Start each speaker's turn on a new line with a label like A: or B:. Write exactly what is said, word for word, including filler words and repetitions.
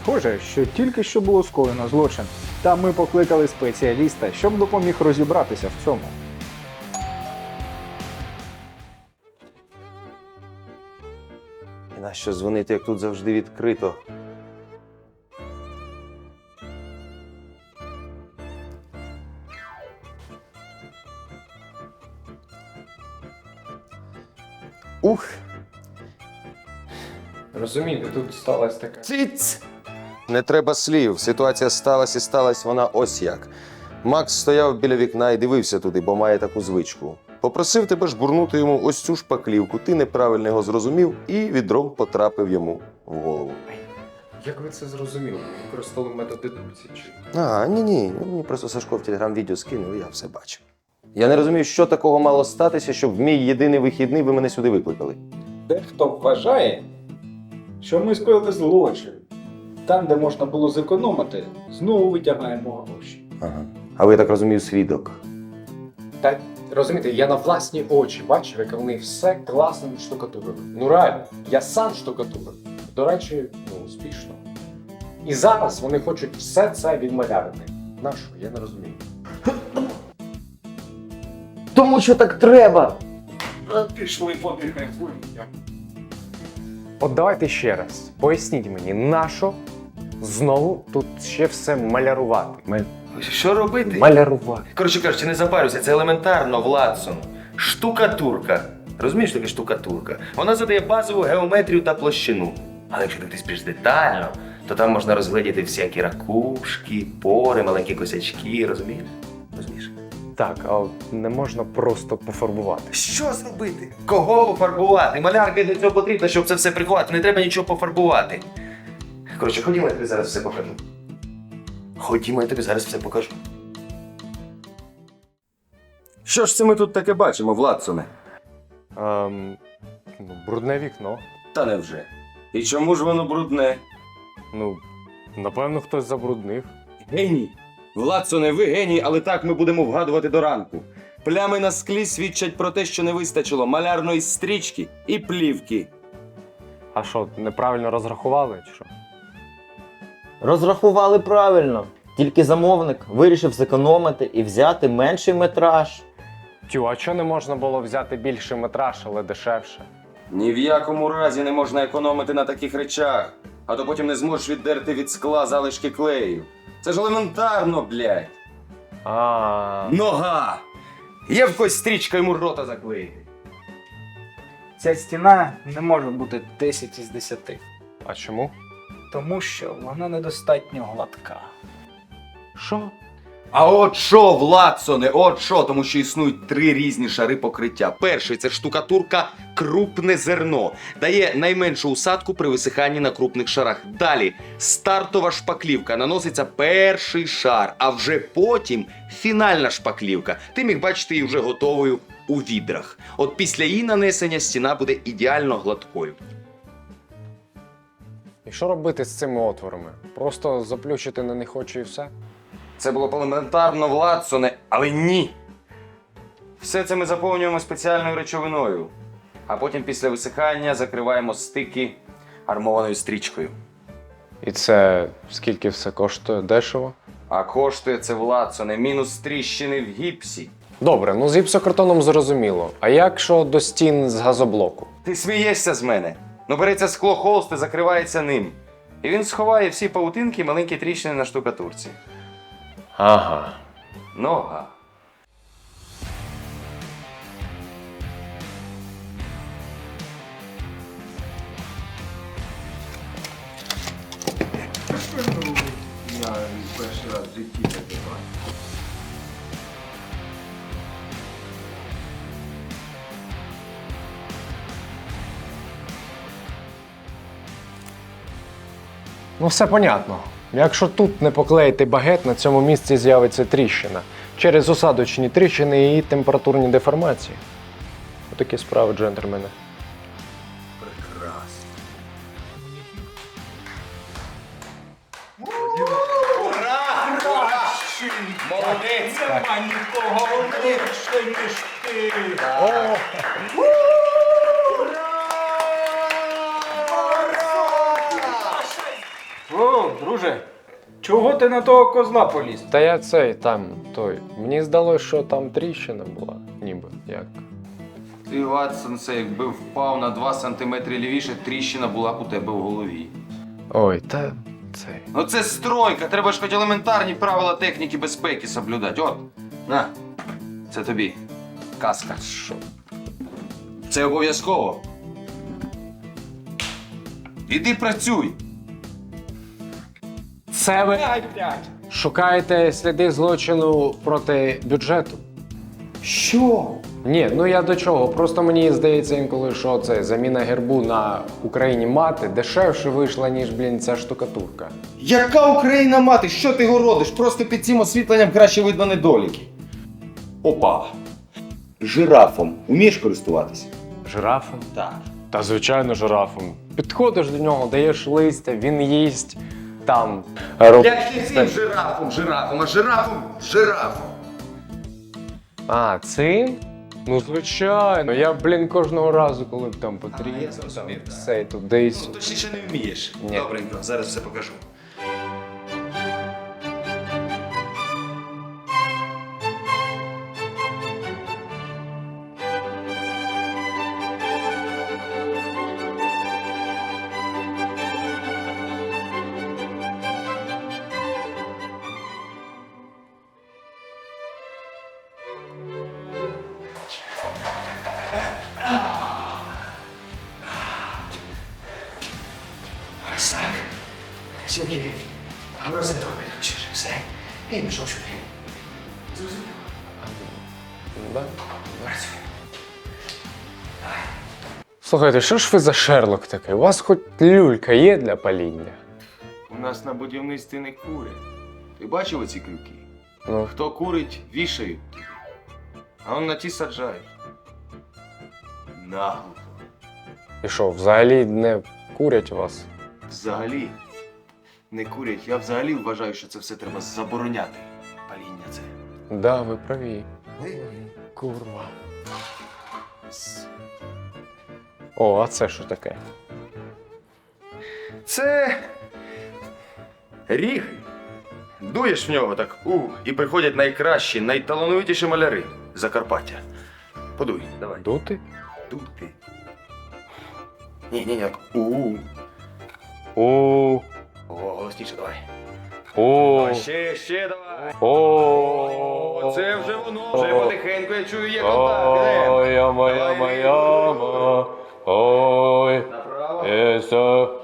A: Схоже, що тільки що було скоєно злочин, та ми покликали спеціаліста, щоб допоміг розібратися в цьому.
B: І нащо дзвонити, як тут завжди відкрито? Ух!
C: Розумієте, тут сталася така.
B: Циц! Не треба слів. Ситуація сталася і сталася вона ось як. Макс стояв біля вікна і дивився туди, бо має таку звичку. Попросив тебе жбурнути йому ось цю шпаклівку. Ти неправильно його зрозумів і відром потрапив йому в голову.
C: Як ви це зрозуміли? Використовували метод дедукції чи?
B: А, ні-ні, мені просто Сашко в телеграм-відео скинув, і я все бачив. Я не розумію, що такого мало статися, щоб в мій єдиний вихідний ви мене сюди викликали.
A: Дехто вважає, що ми скоїли злочин. Там, де можна було зекономити, знову витягаємо гроші.
B: Ага. А ви, я так розумію, свідок.
C: Так, розумієте, я на власні очі бачив, як вони все класно відштукатурили. Ну реально, я сам штукатурив. До речі, ну, успішно. І зараз вони хочуть все це відмалярити. Нащо? Я не розумію.
D: Тому що так треба.
A: Пішли подихаємо.
C: От давайте ще раз. Поясніть мені, нащо знову тут ще все малярувати?
E: Що робити?
C: Малярувати.
E: Коротше кажучи, не запарюйся, це елементарно, Владсон. Штукатурка. Розумієш, що таке штукатурка? Вона задає базову геометрію та площину. Але якщо дивитись більш детально, то там можна розгледіти всякі ракушки, пори, маленькі косячки, розумієш? Розумієш?
C: Так, а от не можна просто пофарбувати.
E: Що зробити? Кого пофарбувати? Малярка для цього потрібна, щоб це все приховати. Не треба нічого пофарбувати. Коротше, ходімо, я тобі зараз все покажу. Ходімо, я тобі зараз все покажу.
B: Що ж це ми тут таке бачимо, Владсоне?
C: Ем, ну, брудне вікно.
B: Та невже? І чому ж воно брудне?
C: Ну, напевно, хтось забруднив.
B: Геній! Владсоне, ви геній, але так ми будемо вгадувати до ранку. Плями на склі свідчать про те, що не вистачило малярної стрічки і плівки.
C: А що, неправильно розрахували чи що?
D: Розрахували правильно. Тільки замовник вирішив зекономити і взяти менший метраж.
C: Тю, а чого не можна було взяти більший метраж, але дешевше?
B: Ні в якому разі не можна економити на таких речах, а то потім не зможеш віддерти від скла залишки клею. Це ж елементарно, блядь.
C: А,
B: Нога! Є в когось стрічка йому рота заклеїти.
A: Ця стіна не може бути десять із десяти,
C: а чому?
A: тому що вона недостатньо гладка.
C: Що?
E: А от що, Владсоне, от що, тому що існують три різні шари покриття. Перший – це штукатурка крупне зерно. Дає найменшу усадку при висиханні на крупних шарах. Далі стартова шпаклівка, наноситься перший шар, а вже потім фінальна шпаклівка. Ти міг бачити її вже готовою у відрах. От після її нанесення стіна буде ідеально гладкою.
C: І що робити з цими отворами? Просто заплющити на них очі і все?
B: Це було б елементарно, Владсоне, але ні. Все це ми заповнюємо спеціальною речовиною, а потім після висихання закриваємо стики армованою стрічкою.
C: І це скільки все коштує? Дешево?
B: А коштує це, Владсоне, мінус тріщини в гіпсі.
C: Добре, ну з гіпсокартоном зрозуміло. А як що до стін з газоблоку?
B: Ти смієшся з мене? Ну береться скло холст і закривається ним. І він сховає всі павутинки і маленькі тріщини на штукатурці.
C: Ага.
B: Нога.
F: Я перший раз в житті таке бачу.
C: Ну все понятно. Якщо тут не поклеїти багет, на цьому місці з'явиться тріщина. Через осадочні тріщини і температурні деформації. Отакі справи, джентльмени.
E: Молодець!
A: Нема нікого легше, ніж ти. О, друже, чого ти на того козла поліз?
C: Та я цей там той. Мені здалося, що там тріщина була, ніби як.
E: Ти, Ватсон, це якби впав на два сантиметри лівіше, тріщина була б у тебе в голові.
C: Ой, та цей.
E: Ну це стройка, треба ж хоч елементарні правила техніки безпеки соблюдати. От, на, це тобі. Каска.
C: Що?
E: Це обов'язково. Іди працюй.
C: Це ви шукаєте сліди злочину проти бюджету?
A: Що?
C: Ні, ну я до чого? Просто мені здається інколи, що це заміна гербу на Україні мати дешевше вийшла, ніж, блін, ця штукатурка.
E: Яка Україна мати? Що ти городиш? Просто під цим освітленням краще видно недоліки. Опа. Жирафом умієш користуватися?
C: Жирафом?
E: Так.
C: Та звичайно, жирафом. Підходиш до нього, даєш листя, він їсть там.
E: Як ти цим жирафом, жирафом, а жирафом, жирафом.
C: А, цим? Ну, звичайно. Я, блін, кожного разу, коли там потрібно,
E: я
C: там
E: зрозумів, так.
C: все тудись.
E: Ну, точніше не вмієш.
C: Ні.
E: Добренько, зараз все покажу.
C: Да? Слухайте, що ж ви за Шерлок такий? У вас хоч люлька є для паління?
E: У нас на будівництві не курять. Ти бачив оці крюки?
C: Ну,
E: Хто курить, вішають. А он на ті саджають. Нагло.
C: і що, взагалі не курять у вас?
E: Взагалі не курять. Я взагалі вважаю, що це все треба забороняти. Паління це.
C: Да, ви праві. Курва. О, а це що таке?
E: Це ріг. Дуєш в нього так, у, і приходять найкращі, найталановитіші маляри Закарпаття. Подуй, давай.
C: Дути?
E: Дути. Ні, ні, як у.
C: О,
E: О, голосніше давай.
C: о,
E: Давай, ще, ще давай.
C: о,
E: О, це вже воно, вже потихеньку я чую, є контакт. Ідемо.
C: Ой, яма, яма, яма, ой,
E: Направо.
C: єсо,